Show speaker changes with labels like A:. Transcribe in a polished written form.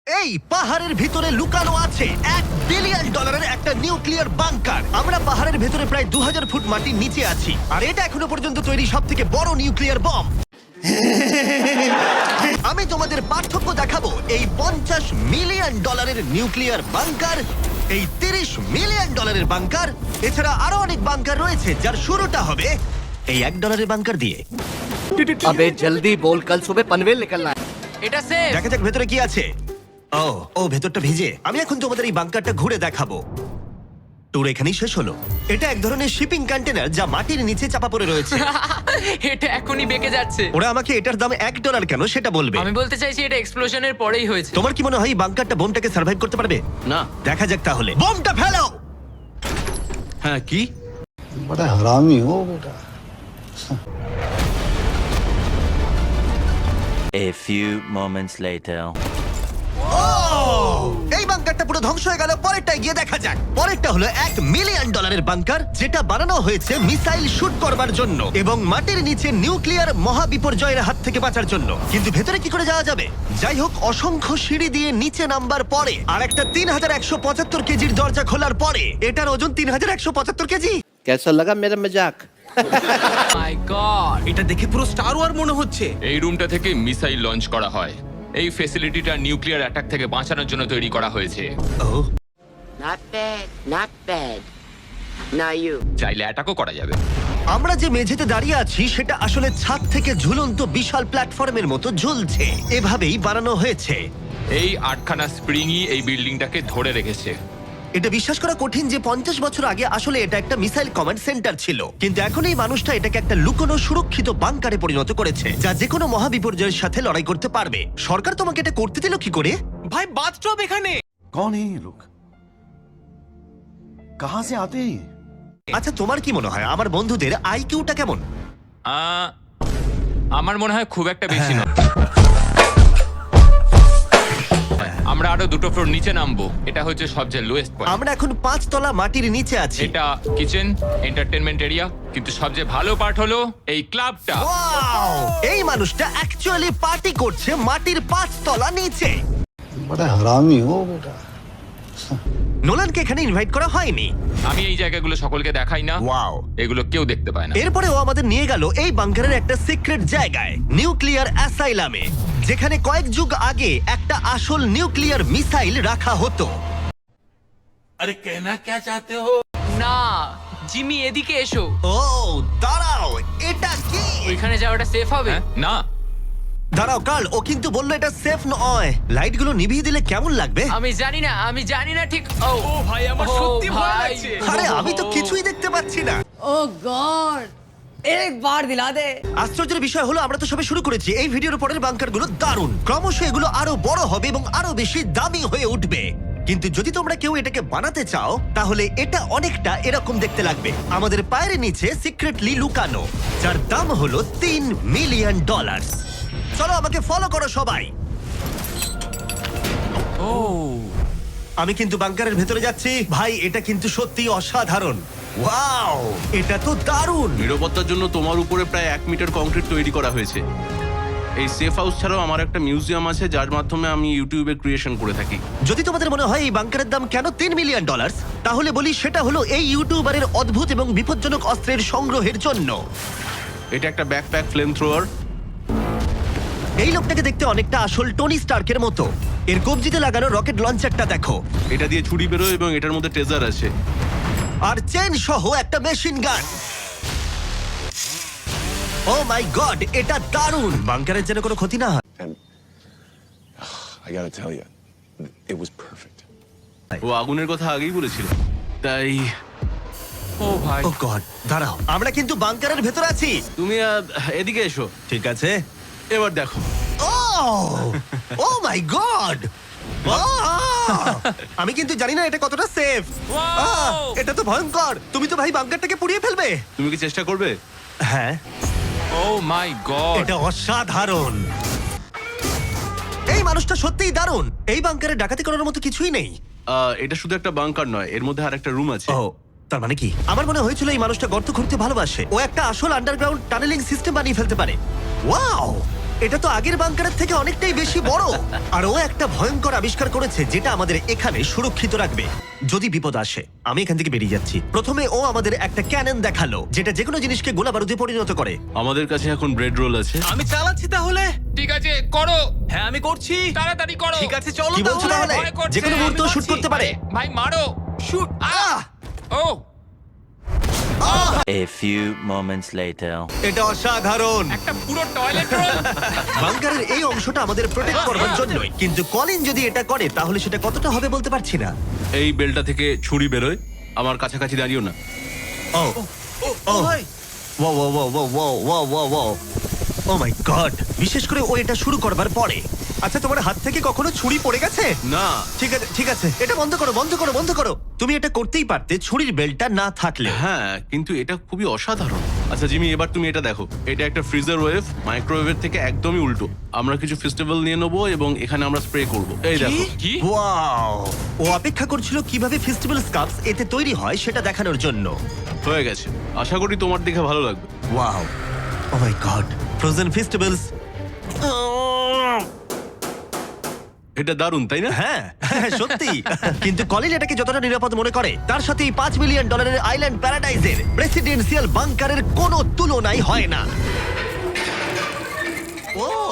A: এই পাহাড়ের ভিতরে লুকানো আছে $1 বিলিয়ন একটা নিউক্লিয়ার বাংকার। আমরা পাহাড়ের ভেতরে প্রায় 2000 ফুট মাটির নিচে আছি, আর এটা এখনো পর্যন্ত তৈরি সবথেকে বড় নিউক্লিয়ার বম। আমি তোমাদের পার্থক্য দেখাবো এই $50 মিলিয়ন নিউক্লিয়ার বাংকার, এই $30 মিলিয়ন বাংকার, এছাড়া আরো অনেক বাংকার রয়েছে যার শুরুটা হবে এই $1 বাংকার দিয়ে।
B: अबे जल्दी बोल, कल सुबह पनवेल निकलना है।
C: এটা সেফ।
A: দেখা যাক ভেতরে কি আছে। ও ভেতরটা ভিজে। আমি এখন তোমাদের এই বাংকারটা ঘুরে দেখাবো। ট্যুর এখানেই শেষ হলো। এটা এক ধরনের শিপিং কন্টেনার যা মাটির নিচে চাপা পড়ে রয়েছে।
C: এটা এখনই বেঁকে যাচ্ছে।
A: ওরা আমাকে এটার দাম $1 কেন সেটা বলবে।
C: আমি বলতে চাইছি এটা এক্সপ্লোশনের পরেই হয়েছে।
A: তোমার কি মনে হয় এই বাংকারটা বোমটাকে সার্ভাইভ করতে পারবে?
D: না।
A: দেখা যাক তাহলে। বোমটা ফেলো।
D: হ্যাঁ, কি?
E: बड़ा हरामी हो बेटा।
F: A few moments later.
A: এই বাংকারটা পুরো ধ্বংস হয়ে গেল। পরেরটা গিয়ে দেখা যাক। পরেরটা হলো $1 মিলিয়ন বাংকার, যেটা বানানো হয়েছে মিসাইল শুট করবার জন্য এবং মাটির নিচে নিউক্লিয়ার মহাবিপর্যয়ের হাত থেকে বাঁচার জন্য। কিন্তু ভেতরে কি করে যাওয়া যাবে? যাই হোক, অসংখ্য সিঁড়ি দিয়ে নিচে নামবার পরে আর একটা 3175 কেজির দরজা খোলার পরে এটার ওজন 3175 কেজি।
B: कैसा लगा मेरा मजाक?
C: My god.
D: এটা দেখে পুরো স্টার ওয়ার মনে হচ্ছে।
G: এই রুমটা থেকে মিসাইল লঞ্চ করা হয়। এই ফ্যাসিলিটিটা নিউক্লিয়ার অ্যাটাক থেকে বাঁচানোর জন্য তৈরি করা হয়েছে।
A: ও
H: Not bad, not bad. Now you.
G: চাইলে অ্যাটাকও করা যাবে।
A: আমরা যে মেঝেতে দাঁড়িয়ে আছি সেটা আসলে ছাদ থেকে ঝুলন্ত বিশাল প্ল্যাটফর্মের মতো ঝুলছে। এভাবেই বানানো হয়েছে।
G: এই 8খানা স্প্রিংই এই বিল্ডিংটাকে ধরে রেখেছে।
A: এটা বিশ্বাস করা কঠিন যে 50 বছর আগে আসলে এটা একটা মিসাইল কমান্ড সেন্টার ছিল, কিন্তু এখন এই মানুষটা এটাকে একটা লুকোনো সুরক্ষিত বাংকারে পরিণত করেছে, যা যে কোনো মহাবিপর্যয়ের সাথে লড়াই করতে পারবে। সরকার তোমাকে এটা করতে দিল কি করে?
D: ভাই, বাথটব এখানে।
E: कौन है ये लोग? कहाँ से आते हैं ये?
A: আচ্ছা, তোমার কি মনে হয় আমার বন্ধুদের আইকিউটা কেমন?
G: আমার মনে হয় খুব একটা বেশি না। আমরা আরো 2টো ফ্লোর নিচে নামবো। এটা হচ্ছে সবচেয়ে লোয়েস্ট পয়েন্ট।
A: আমরা এখন 5 তলা মাটির নিচে আছি।
G: এটা কিচেন, এন্টারটেইনমেন্ট এরিয়া, কিন্তু সবচেয়ে ভালো পার্ট হলো এই ক্লাবটা।
A: Wow! এই মানুষটা অ্যাকচুয়ালি পার্টি করছে মাটির 5 তলা নিচে।
E: बड़ा हरामी हो बेटा।
A: নোলানকে এখানে ইনভাইট করা হয়নি।
G: আমি এই জায়গাগুলো সকলকে দেখাই না।
A: ওয়াও!
G: এগুলো কেউ দেখতে পায় না।
A: এরপরে ও আমাদের নিয়ে গেল এই বাংকারের একটা সিক্রেট জায়গায়, নিউক্লিয়ার অ্যাসাইলামে, যেখানে কয়েক যুগ আগে একটা আসল নিউক্লিয়ার মিসাইল রাখা হতো।
C: না, জিমি এদিকে এসো।
A: ও দাঁড়াও, এটা কি?
C: ওইখানে যাওয়াটা সেফ হবে?
G: হ্যাঁ? না।
A: দাঁড়াও কার্ল, ও কিন্তু বললো এটা সেফ নয়। লাইটগুলো নিভিয়ে দিলে কেমন লাগবে?
C: আমি জানি না ঠিক। ও
D: ভাই, আমার সত্যি ভয় লাগছে।
A: আরে আমি তো কিছুই দেখতে পাচ্ছি না।
I: ओह गॉड एक बार दिला दे।
A: আশ্চর্যের বিষয় হলো আমরা তো সবে শুরু করেছি। এই ভিডিওর পরের বাংকারগুলো দারুণ। ক্রমশ এগুলো আরো বড় হবে এবং আরো বেশি দামি হয়ে উঠবে। কিন্তু যদি তোমরা কেউ এটাকে বানাতে চাও তাহলে এটা অনেকটা এরকম দেখতে লাগবে। আমাদের পায়ের নিচে সিক্রেটলি লুকানো, যার দাম হলো $3 মিলিয়ন। চলো আমাকে ফলো করো সবাই। আমি কিন্তু বাংকারের ভেতরে যাচ্ছি। ভাই, এটা কিন্তু সত্যি অসাধারণ। ওয়াও, এটা তো দারুণ।
D: নিরাপত্তার জন্য তোমার উপরে প্রায় 1 মিটার কংক্রিট তৈরি করা হয়েছে। এই সেফ হাউস ছাড়াও আমার একটা মিউজিয়াম আছে, যার মাধ্যমে আমি ইউটিউবে ক্রিয়েশন করে থাকি।
A: যদি তোমাদের মনে হয় এই বাংকারের দাম কেন $3 মিলিয়ন, তাহলে বলি সেটা হলো এই ইউটিউবারের অদ্ভুত এবং বিপজ্জনক অস্ত্রের সংগ্রহের জন্য।
D: এটা একটা ব্যাকপ্যাক ফ্লেম থ্রোয়ার।
A: এই লোকটাকে দেখতে অনেকটা আসল টনি স্টার্কের মতো। এর কবজিতে লাগানো রকেট লঞ্চারটা দেখো,
D: এটা দিয়ে ছুরি বেরোয় এবং এটার মধ্যে ট্রেজার আছে।
A: আর চেন সহ একটা machine gun. O my god, এটা দারুণ। বাংকারের যেন কোনো ক্ষতি না হয়।
J: And I gotta tell you, it was perfect.
D: ও আগুনের কথা আগেই বলেছিল, তাই
G: ও ভাই,
A: ও গড, দাঁড়াও, আমরা কিন্তু বাংকারের ভেতর আছি।
D: তুমি এদিকে এসো।
A: ঠিক আছে।
D: এবার দেখো।
A: ও মাই গড, আমি কিন্তু জানি না এটা কতটা সেফ। এটা তো ভয়ঙ্কর। তুমি তো ভাই বাংকারটাকে পুড়িয়ে ফেলবে।
D: তুমি কি চেষ্টা করবে?
A: হ্যাঁ,
G: ও মাই গড।
A: এটা অসাধারণ। এই মানুষটা সত্যিই দারুণ। এই বাংকারে ডাকাতি করার মতো কিছুই নেই।
D: এটা শুধু একটা বাংকার নয়, এর মধ্যে আরেকটা রুম আছে।
A: ও, তার মানে কি? আমার মনে হয়েছিল এই মানুষটা গর্ত খুঁড়তে ভালোবাসে। ও একটা আসল আন্ডারগ্রাউন্ড টানেলিং সিস্টেম বানিয়ে ফেলতে পারে। ওয়াও, এটা তো আগের বাংকারের থেকে অনেকটাই বেশি বড়। আর ও একটা ভয়ঙ্কর আবিষ্কার করেছে যেটা আমাদের এখানে সুরক্ষিত রাখবে যদি বিপদ আসে। আমি এখান থেকে বেরিয়ে যাচ্ছি। প্রথমে ও আমাদের একটা ক্যানন দেখালো যেটা যেকোনো জিনিসকে গোলা বারুদে পরিণত করে।
D: আমাদের কাছে এখন ব্রেড রোল আছে।
K: আমি চালাচ্ছি তাহলে।
G: ঠিক আছে করো,
K: হ্যাঁ আমি করছি।
G: তাড়াতাড়ি করো।
K: ঠিক আছে চলো
A: কি বলছো তাহলে?
G: ভয় করছে।
A: যেকোনো মুহূর্তে
G: আমি
A: শুট
G: মারছি।
A: করতে পারে।
G: আরে, ভাই মারো, শুট। ও
F: A few moments later.
A: এটা অসাধারণ।
G: একটা পুরো টয়লেট রোল।
A: বাংকারের এই অংশটা আমাদের প্রোটেক্ট করবার জন্যই, কিন্তু কলিন যদি এটা করে তাহলে সেটা কতটা হবে বলতে পারছি না।
D: এই বেলটা থেকে ছুরি বেরোয়, আমার কাছাকাছি দাঁড়িও না।
A: ও ও
K: ভাই
A: wow wow wow wow wow wow wow oh my god! বিশেষ করে ও এটা শুরু করবার পরে। আচ্ছা, তোমার হাত থেকে কখনো ছুরি পড়ে গেছে?
D: না,
A: ঠিক আছে ঠিক আছে, এটা বন্ধ করো বন্ধ করো বন্ধ করো। তুমি এটা করতেই পারতে ছুরির বেল্টটা না থাকলে।
D: হ্যাঁ কিন্তু এটা খুবই অসাধারণ। আচ্ছা জিমি, এবার তুমি এটা দেখো। এটা একটা ফ্রিজার ওয়েভ, মাইক্রোওয়েভের থেকে একদমই উল্টো। আমরা কিছু ফেস্টিভ্যাল নিয়ে নেবো এবং এখানে আমরা স্প্রে করব। এই দেখো।
G: কি?
A: ওয়াও! ও অপেক্ষা করছিল কিভাবে ফেস্টিভ্যাল স্কাপস এতে তৈরি হয় সেটা দেখানোর জন্য।
D: হয়ে গেছে, আশা করি তোমার দেখে ভালো লাগবে।
A: Wow! Oh my god! Frozen festivals!
D: এটা দারুণ তাই না?
A: হ্যাঁ হ্যাঁ, সত্যি। কিন্তু কলিন এটাকে যতটা নিরাপদ মনে করে তার সাথে এই $5 মিলিয়ন আইল্যান্ড প্যারাডাইজের প্রেসিডেন্সিয়াল বাংকারের কোনো তুলনাই হয় না। ও